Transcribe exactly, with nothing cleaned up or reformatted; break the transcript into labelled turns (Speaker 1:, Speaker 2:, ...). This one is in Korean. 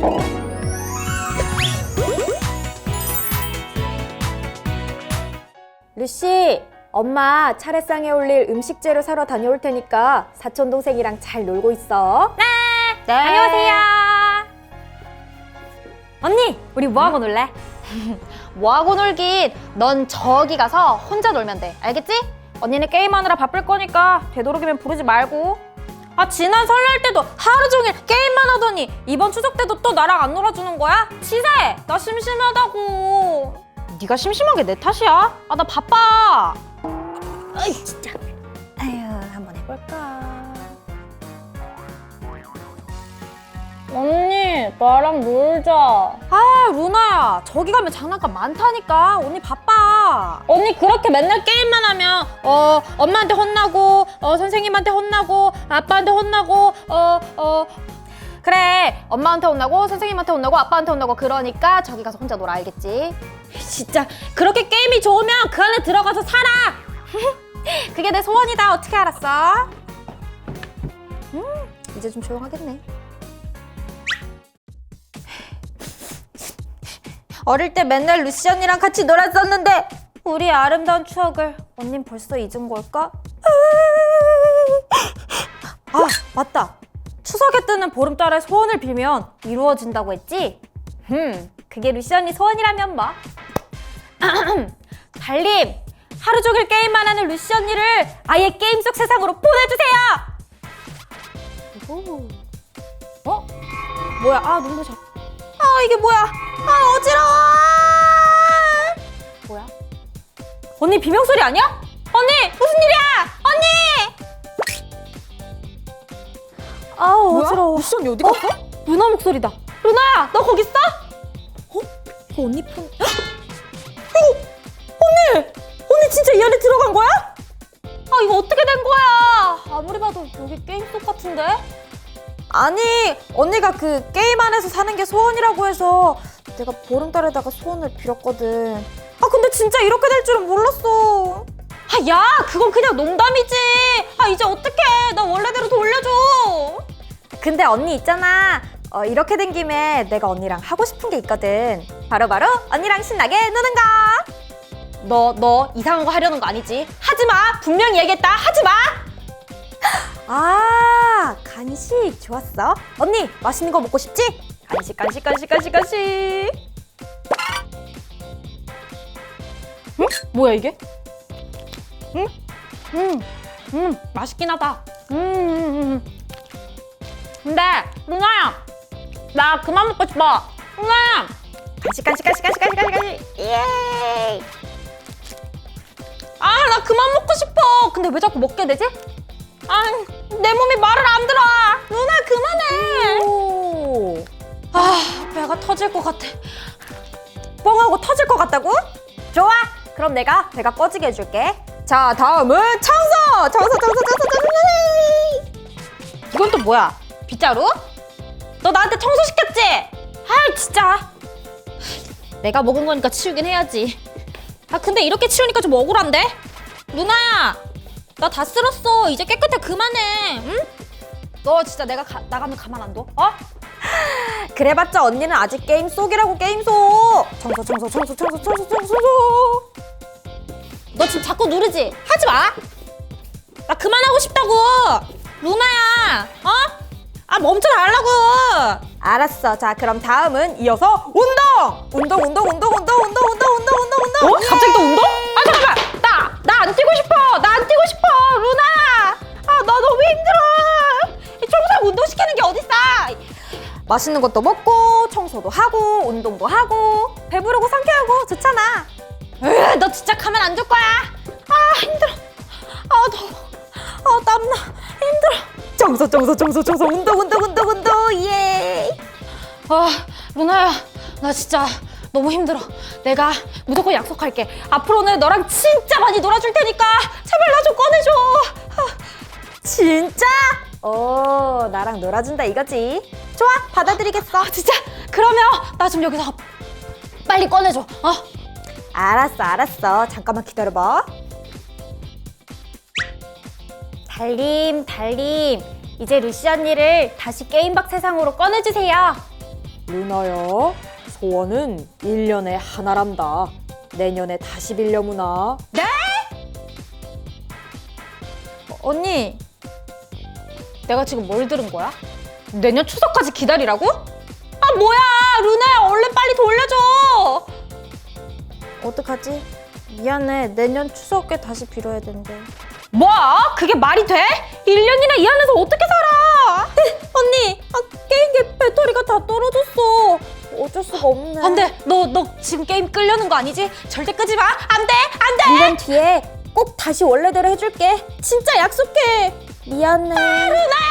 Speaker 1: 루시, 엄마 차례상에 올릴 음식 재료 사러 다녀올 테니까 사촌 동생이랑 잘 놀고 있어.
Speaker 2: 네. 네. 안녕하세요. 언니, 우리 뭐하고 놀래? 뭐하고 놀긴. 넌 저기 가서 혼자 놀면 돼. 알겠지? 언니는 게임하느라 바쁠 거니까 되도록이면 부르지 말고. 아, 지난 설날 때도 하루 종일 게임만 하더니 이번 추석 때도 또 나랑 안 놀아주는 거야? 치사해. 나 심심하다고. 네가 심심한 게 내 탓이야? 아, 나 바빠.
Speaker 1: 어이, 진짜. 아휴, 한번 해볼까?
Speaker 2: 언니, 나랑 놀자. 아, 루나야, 저기 가면 장난감 많다니까. 언니 바빠. 언니 그렇게 맨날 게임만 하면 어 엄마한테 혼나고 어 선생님한테 혼나고 아빠한테 혼나고 어 어 그래, 엄마한테 혼나고 선생님한테 혼나고 아빠한테 혼나고. 그러니까 저기 가서 혼자 놀아. 알겠지? 진짜 그렇게 게임이 좋으면 그 안에 들어가서 살아. 그게 내 소원이다. 어떻게 알았어? 음, 이제 좀 조용하겠네. 어릴 때 맨날 루시 언니랑 같이 놀았었는데 우리 아름다운 추억을 언닌 벌써 잊은 걸까? 아, 맞다. 추석에 뜨는 보름달의 소원을 빌면 이루어진다고 했지? 음, 그게 루시 언니 소원이라면 뭐. 달님, 하루 종일 게임만 하는 루시 언니를 아예 게임 속 세상으로 보내주세요. 오. 어? 뭐야? 아, 눈부셔. 아, 이게 뭐야? 아, 어지러워. 뭐야? 언니 비명소리 아니야? 언니, 무슨 일이야? 언니! 아, 어지러워. 루시 언니 어디 갔어? 어? 루나 목소리다. 루나야, 너 거기 있어? 어? 이거 언니 폰... 헉! 이거! 언니! 언니 진짜 이 안에 들어간 거야? 아, 이거 어떻게 된 거야? 아무리 봐도 여기 게임 속 같은데? 아니, 언니가 그 게임 안에서 사는 게 소원이라고 해서 내가 보름달에다가 소원을 빌었거든. 아, 근데 진짜 이렇게 될 줄은 몰랐어. 아, 야, 그건 그냥 농담이지. 아, 이제 어떡해. 나 원래대로 돌려줘. 근데 언니 있잖아. 어, 이렇게 된 김에 내가 언니랑 하고 싶은 게 있거든. 바로바로 바로 언니랑 신나게 노는 거. 너, 너 이상한 거 하려는 거 아니지? 하지 마. 분명히 얘기했다. 하지 마. 아, 간식 좋았어. 언니, 맛있는 거 먹고 싶지? 간식, 간식, 간식, 간식, 간식. 응? 뭐야 이게? 응? 음, 음, 맛있긴 하다. 음, 음, 음. 근데 루나야, 나 그만 먹고 싶어. 루나야. 간식, 간식, 간식, 간식, 간식, 간식, 간식. 예. 아, 나 그만 먹고 싶어. 근데 왜 자꾸 먹게 되지? 아, 내 몸이 말을 안 들어. 누나 그만해. 오. 아, 배가 터질 것 같아. 뻥하고 터질 것 같다고? 좋아, 그럼 내가 배가 꺼지게 해줄게. 자, 다음은 청소! 청소, 청소, 청소, 청소. 이건 또 뭐야? 빗자루? 너 나한테 청소 시켰지? 아, 진짜. 내가 먹은 거니까 치우긴 해야지. 아, 근데 이렇게 치우니까 좀 억울한데? 누나야, 나 다 쓸었어. 이제 깨끗해. 그만해. 응? 너 진짜 내가 가, 나가면 가만 안 둬? 어? 그래봤자 언니는 아직 게임 속이라고. 게임 속. 청소 청소 청소 청소 청소 청소. 너 지금 자꾸 누르지? 하지 마. 나 그만하고 싶다고. 루나야. 어? 아, 멈춰 달라고. 알았어. 자, 그럼 다음은 이어서 운동. 운동 운동 운동 운동 운동 운동 운동 운동 운동. 어? 갑자기 또 운동? 아, 잠깐만. 나 나 안 뛰고 싶어. 나 안 뛰고 싶어. 루나. 아, 나 너무 힘들어. 이 청소하고 운동 시키는 게 어딨어. 맛있는 것도 먹고 청소도 하고 운동도 하고 배부르고 상쾌하고 좋잖아. 으, 너 진짜 가만 안 둘 거야. 아, 힘들어. 아, 더워. 아, 땀나. 힘들어. 청소 청소 청소 청소 운동 운동 운동 운동. 예. 아, 루나야, 나 진짜 너무 힘들어. 내가 무조건 약속할게. 앞으로는 너랑 진짜 많이 놀아줄 테니까 제발 나 좀 꺼내줘. 아, 진짜? 오, 나랑 놀아준다 이거지. 좋아, 받아들이겠어. 아, 진짜? 그러면 나 좀 여기서 빨리 꺼내줘. 어? 알았어, 알았어. 잠깐만 기다려봐. 달님, 달님, 이제 루시 언니를 다시 게임박 세상으로 꺼내주세요.
Speaker 1: 루나야, 소원은 일 년에 하나란다. 내년에 다시 빌려무나.
Speaker 2: 네? 어, 언니, 내가 지금 뭘 들은 거야? 내년 추석까지 기다리라고? 아 뭐야, 루나야 얼른 빨리 돌려줘.
Speaker 3: 어떡하지? 미안해. 내년 추석에 다시 빌어야 된대.
Speaker 2: 뭐? 그게 말이 돼? 일 년이나 이 안에서 어떻게 살아?
Speaker 3: 언니! 아, 게임기 배터리가 다 떨어졌어. 어쩔 수가 없네.
Speaker 2: 안 돼. 너, 너 지금 게임 끌려는 거 아니지? 절대 끄지 마. 안 돼. 안 돼.
Speaker 3: 일 년 뒤에 꼭 다시 원래대로 해줄게. 진짜 약속해. 미안해.
Speaker 2: 루나야!